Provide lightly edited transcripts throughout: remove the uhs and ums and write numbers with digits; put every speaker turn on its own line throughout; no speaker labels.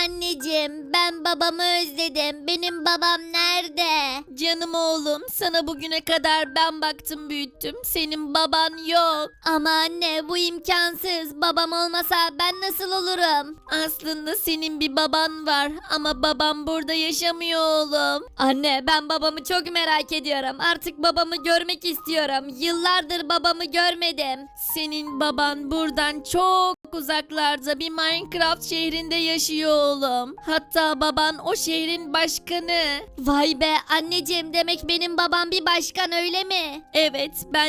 Anneciğim, ben babamı özledim. Benim babam nerede?
Canım oğlum, sana bugüne kadar ben baktım büyüttüm. Senin baban yok.
Ama anne, bu imkansız. Babam olmasa ben nasıl olurum?
Aslında senin bir baban var ama babam burada yaşamıyor oğlum.
Anne, ben babamı çok merak ediyorum. Artık babamı görmek istiyorum. Yıllardır babamı görmedim.
Senin baban buradan çok uzaklarda bir Minecraft şehrinde yaşıyor oğlum. Hatta baban o şehrin başkanı.
Vay be anneciğim, demek benim babam bir başkan, öyle mi?
Evet, ben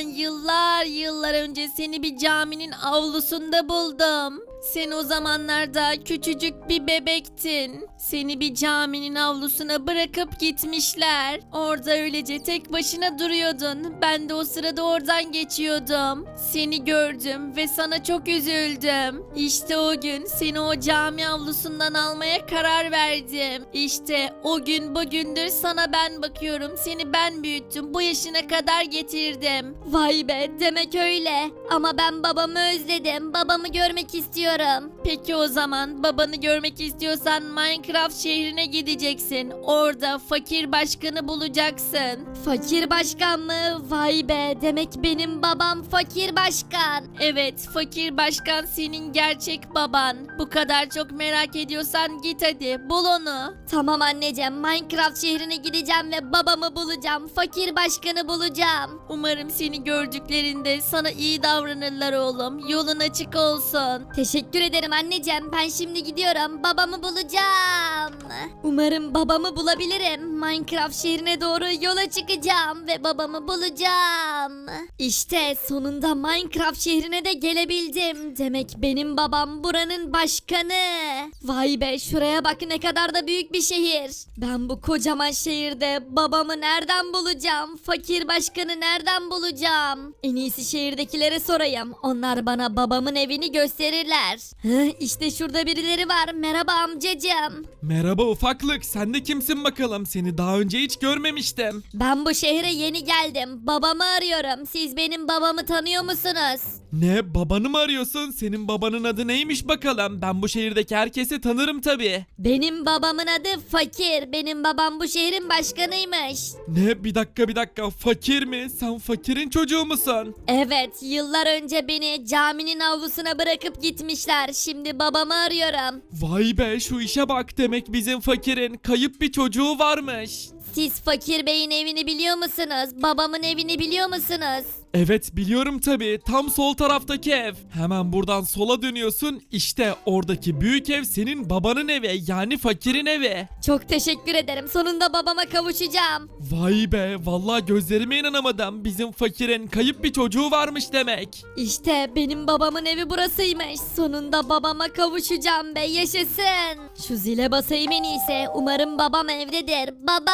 yıllar önce seni bir caminin avlusunda buldum. Sen o zamanlarda küçücük bir bebektin. Seni bir caminin avlusuna bırakıp gitmişler. Orada öylece tek başına duruyordun. Ben de o sırada oradan geçiyordum. Seni gördüm ve sana çok üzüldüm. İşte o gün seni o cami avlusundan almaya karar verdim. İşte o gün bugündür sana ben bakıyorum. Seni ben büyüttüm. Bu yaşına kadar getirdim.
Vay be, demek öyle. Ama ben babamı özledim. Babamı görmek istiyorum.
Peki o zaman babanı görmek istiyorsan Minecraft şehrine gideceksin. Orada fakir başkanı bulacaksın.
Fakir başkan mı? Vay be, demek benim babam fakir başkan.
Evet, fakir başkan senin gerçek baban. Bu kadar çok merak ediyorsan git hadi bul onu.
Tamam anneciğim, Minecraft şehrine gideceğim ve babamı bulacağım. Fakir başkanı bulacağım.
Umarım seni gördüklerinde sana iyi davranırlar oğlum. Yolun açık olsun.
Teşekkür ederim anneciğim. Ben şimdi gidiyorum. Babamı bulacağım. Umarım babamı bulabilirim. Minecraft şehrine doğru yola çıkacağım ve babamı bulacağım. İşte sonunda Minecraft şehrine de gelebildim. Demek benim babam buranın başkanı. Vay be, şuraya bak, ne kadar da büyük bir şehir. Ben bu kocaman şehirde babamı nereden bulacağım? Fakir başkanı nereden bulacağım? En iyisi şehirdekilere sorayım. Onlar bana babamın evini gösterirler. İşte şurada birileri var. Merhaba amcacığım.
Merhaba ufaklık, sen de kimsin bakalım? Seni daha önce hiç görmemiştim.
Ben bu şehre yeni geldim. Babamı arıyorum. Siz benim babamı tanıyor musunuz?
Ne, babanı mı arıyorsun? Senin babanın adı neymiş bakalım? Ben bu şehirdeki herkesi tanırım tabii.
Benim babamın adı Fakir. Benim babam bu şehrin başkanıymış.
Ne, bir dakika, fakir mi? Sen fakirin çocuğu musun?
Evet, yıllar önce beni caminin avlusuna bırakıp gitmişler. Şimdi babamı arıyorum.
Vay be, şu işe bak, demek bizim fakirin kayıp bir çocuğu varmış.
Siz Fakir Bey'in evini biliyor musunuz? Babamın evini biliyor musunuz?
Evet, biliyorum tabii, tam sol taraftaki ev. Hemen buradan sola dönüyorsun, işte oradaki büyük ev senin babanın evi, yani fakirin evi.
Çok teşekkür ederim. Sonunda babama kavuşacağım.
Vay be, vallahi gözlerime inanamadım, bizim fakirin kayıp bir çocuğu varmış demek.
İşte benim babamın evi burasıymış. Sonunda babama kavuşacağım be, yaşasın. Şu zile basayım en iyisi. Umarım babam evdedir.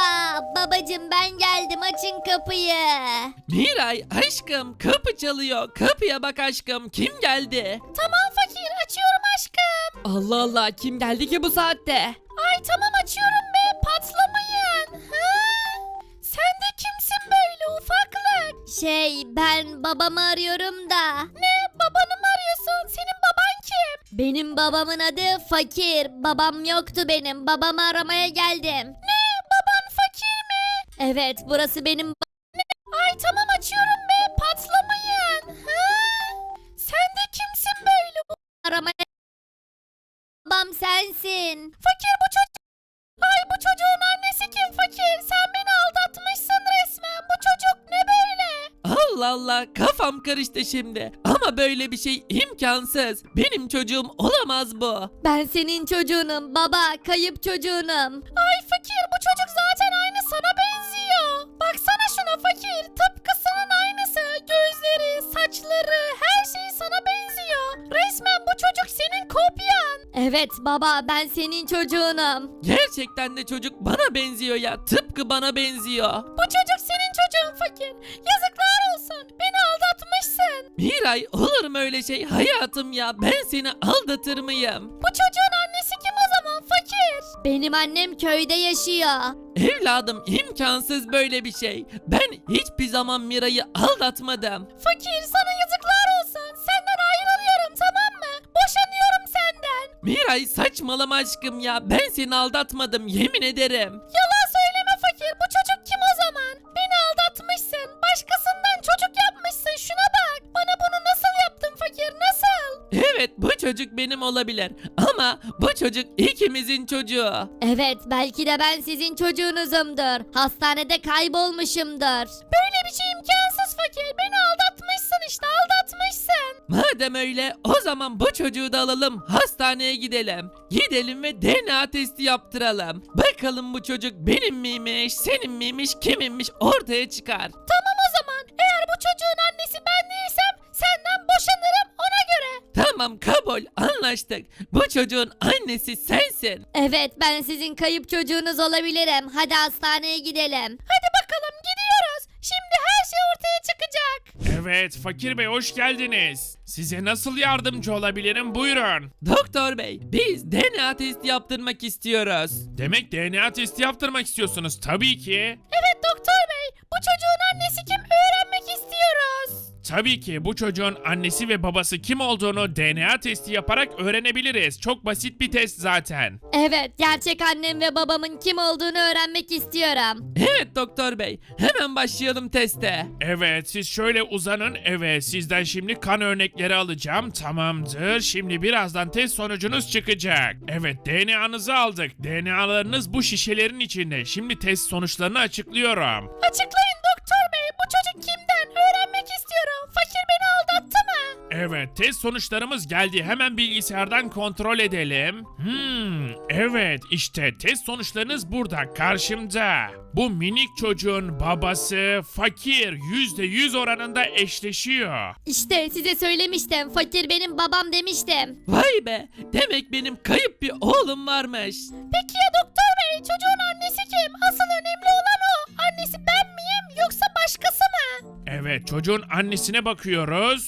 Babacım, ben geldim, açın kapıyı.
Miray aşkım, kapı çalıyor. Kapıya bak aşkım, kim geldi?
Tamam fakir, açıyorum aşkım.
Allah Allah, kim geldi ki bu saatte?
Ay tamam, açıyorum be, patlamayın. Sen de kimsin böyle ufaklık? Ben babamı arıyorum da. Ne, babanı mı arıyorsun? Senin baban kim? Benim babamın adı Fakir. Babam yoktu benim. Babamı aramaya geldim. Ne, baban fakir mi? Evet, burası benim Ay tamam, açıyorum be, patlamayın. Sen de kimsin böyle aramaya? Babam sensin. Fakir, bu çocuk. Ay, bu çocuğun annesi kim fakir? Sen beni aldatmışsın resmen. Bu çocuk ne böyle?
Allah Allah, kafam karıştı şimdi. Ama böyle bir şey imkansız. Benim çocuğum olamaz bu.
Ben senin çocuğunum baba, kayıp çocuğunum. Ay fakir, bu çocuk zaten aynı sana benziyor. Baksana şuna fakir, tıpkısının aynısı. Gözleri, saçları, her şeyi sana benziyor. Resmen bu çocuk senin kopyan. Evet baba, ben senin çocuğunum.
Gerçekten de çocuk bana benziyor ya. Tıpkı bana benziyor.
Bu çocuk senin çocuğun fakir. Yazıklar olsun, beni aldatmışsın.
Miray, olur mu öyle şey hayatım ya? Ben seni aldatır mıyım?
Bu çocuğun annesi kim o zaman fakir? Benim annem köyde yaşıyor.
Evladım, imkansız böyle bir şey. Ben hiçbir zaman Miray'ı aldatmadım.
Fakir, sana yazıklar olsun. Senden ayrılıyorum, tamam mı? Boşanıyorum senden.
Miray saçmalama aşkım ya. Ben seni aldatmadım yemin ederim.
Yalan söyleme fakir. Bu çocuk kim o zaman? Beni aldatmışsın. Başkasından çocuk yapmışsın. Şuna bak. Bana bunu nasıl yaptın fakir? Nasıl?
Evet bu çocuk benim olabilir. Ama bu çocuk ikimizin çocuğu.
Evet, belki de ben sizin çocuğunuzumdur. Hastanede kaybolmuşumdur. Böyle bir şey imkansız fakir. Beni aldatmışsın işte, aldatmışsın.
Madem öyle o zaman bu çocuğu da alalım hastaneye gidelim. Gidelim ve DNA testi yaptıralım. Bakalım bu çocuk benim miymiş, senin miymiş, kiminmiş ortaya çıkar.
Tamam o zaman. Eğer bu çocuğun annesi ben değilsem senden boşanırım ona göre.
Tamam kabul anlaştık. Bu çocuğun annesi sensin.
Evet, ben sizin kayıp çocuğunuz olabilirim. Hadi hastaneye gidelim. Hadi bakalım gidiyoruz. Şimdi her şey ortaya çıkacak.
Evet Fakir Bey hoş geldiniz. Size nasıl yardımcı olabilirim buyurun.
Doktor bey biz DNA testi yaptırmak istiyoruz.
Demek DNA testi yaptırmak istiyorsunuz tabii ki.
Evet doktor bey, bu çocuğun annesi kim öğrenmek istiyoruz.
Tabii ki bu çocuğun annesi ve babası kim olduğunu DNA testi yaparak öğrenebiliriz. Çok basit bir test zaten.
Evet, gerçek annem ve babamın kim olduğunu öğrenmek istiyorum.
Evet doktor bey hemen başlayalım teste.
Evet siz şöyle uzanın. Evet sizden şimdi kan örnekleri alacağım. Tamamdır. Şimdi birazdan test sonucunuz çıkacak. Evet DNA'nızı aldık. DNA'larınız bu şişelerin içinde. Şimdi test sonuçlarını açıklıyorum.
Açıklayın doktor bey, bu çocuk kimden öğrenmek istiyorum. Fakir beni aldattı mı?
Evet test sonuçlarımız geldi. Hemen bilgisayardan kontrol edelim. Evet işte test sonuçlarınız burada karşımda. Bu minik çocuğun babası fakir %100 oranında eşleşiyor.
İşte size söylemiştim, fakir benim babam demiştim.
Vay be demek benim kayıp bir oğlum varmış.
Peki ya doktor bey, çocuğun annesi kim? Asıl önemli olan o. Annesi ben miyim yoksa başkası mı?
Evet çocuğun annesine bakıyoruz.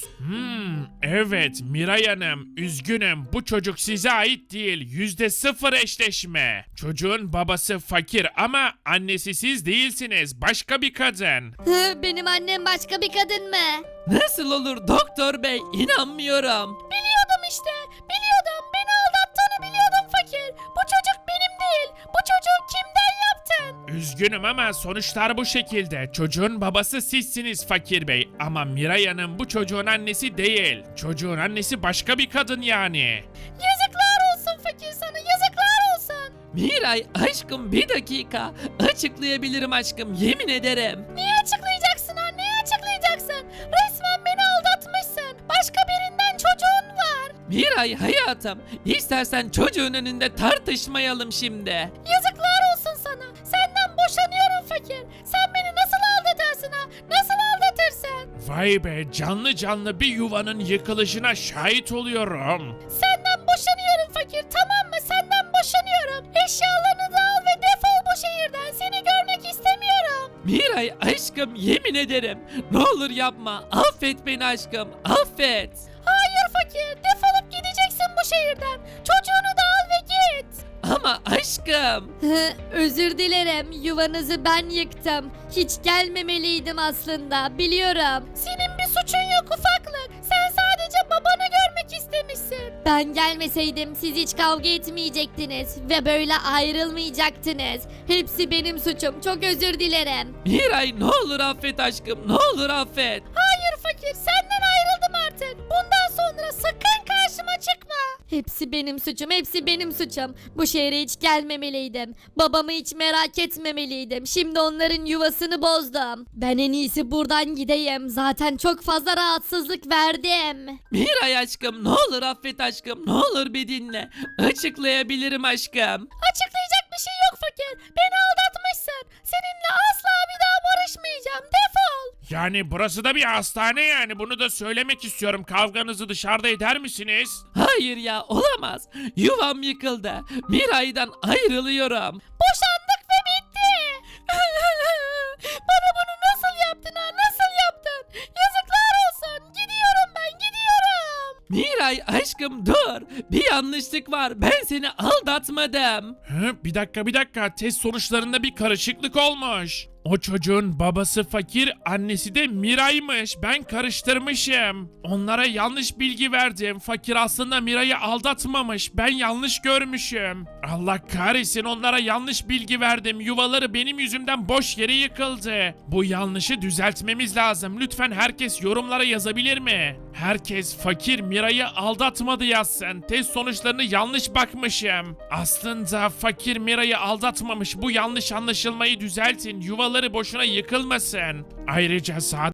Evet Miray Hanım üzgünüm bu çocuk size ait değil. %0 eşleşme. Çocuğun babası fakir ama annesi siz değilsiniz. Başka bir kadın.
Benim annem başka bir kadın mı?
Nasıl olur doktor bey inanmıyorum.
Biliyordum işte. Biliyordum. Beni aldattığını biliyordum fakir. Bu çocuk benim değil. Bu çocuğu kimden yaptın?
Üzgünüm ama sonuçlar bu şekilde. Çocuğun babası sizsiniz Fakir Bey. Ama Miray Hanım bu çocuğun annesi değil. Çocuğun annesi başka bir kadın yani.
Yazıklar olsun fakir sana. Yazıklar olsun.
Miray aşkım bir dakika. Açıklayabilirim aşkım yemin ederim.
Niye açıklayacaksın ha? Niye açıklayacaksın? Resmen beni aldatmışsın. Başka birinden çocuğun var.
Miray hayatım istersen çocuğun önünde tartışmayalım şimdi.
Yazıklar olsun sana. Senden boşanıyorum fakir. Sen beni nasıl aldatırsın ha? Nasıl aldatırsın?
Vay be canlı canlı bir yuvanın yıkılışına şahit oluyorum.
Senden boşanıyorum fakir, tamam mı? Senden boşanıyorum. Eşyalarını da al ve defol bu şehirden. Seni görmek istemiyorum.
Miray aşkım yemin ederim. Ne olur yapma. Affet beni aşkım. Affet.
Hayır fakir, defolup gideceksin bu şehirden. Çocuğunu da al ve git.
Ama aşkım.
Özür dilerim, yuvanızı ben yıktım. Hiç gelmemeliydim aslında, biliyorum. Senin bir suçun yok ufaklık. Sen sadece babanı görmek istemişsin. Ben gelmeseydim siz hiç kavga etmeyecektiniz ve böyle ayrılmayacaktınız. Hepsi benim suçum, çok özür dilerim.
Miray ne olur affet aşkım. Ne olur affet.
Hayır fakir, senden ayrıldım artık. Bundan sonra sakın karşıma çıkma. Hepsi benim suçum, hepsi benim suçum. Bu şehre hiç gelmemeliydim. Babamı hiç merak etmemeliydim. Şimdi onların yuvasını bozdum. Ben en iyisi buradan gideyim. Zaten çok fazla rahatsızlık verdim.
Miray aşkım ne olur affet aşkım. Ne olur bir dinle. Açıklayabilirim aşkım.
Açıklayacak bir şey yok fakir. Beni aldatmışsın. Seninle asla bir daha barışmayacağım. Defol.
Yani burası da bir hastane yani bunu da söylemek istiyorum. Kavganızı dışarıda eder misiniz?
Hayır ya olamaz. Yuvam yıkıldı. Miray'dan ayrılıyorum.
Boşandık ve bitti. Bana bunu nasıl yaptın ha? Nasıl yaptın? Yazıklar olsun. Gidiyorum ben, gidiyorum.
Miray aşkım dur. Bir yanlışlık var. Ben seni aldatmadım.
Bir dakika test sonuçlarında bir karışıklık olmuş. O çocuğun babası Fakir, annesi de Miray'mış. Ben karıştırmışım. Onlara yanlış bilgi verdim. Fakir aslında Miray'ı aldatmamış. Ben yanlış görmüşüm. Allah kahretsin, onlara yanlış bilgi verdim. Yuvaları benim yüzümden boş yere yıkıldı. Bu yanlışı düzeltmemiz lazım. Lütfen herkes yorumlara yazabilir mi? Herkes Fakir Miray'ı aldatmadı yazsın. Test sonuçlarını yanlış bakmışım. Aslında Fakir Miray'ı aldatmamış. Bu yanlış anlaşılmayı düzeltin. Yuvaları boşuna yıkılmasın. Ayrıca sağda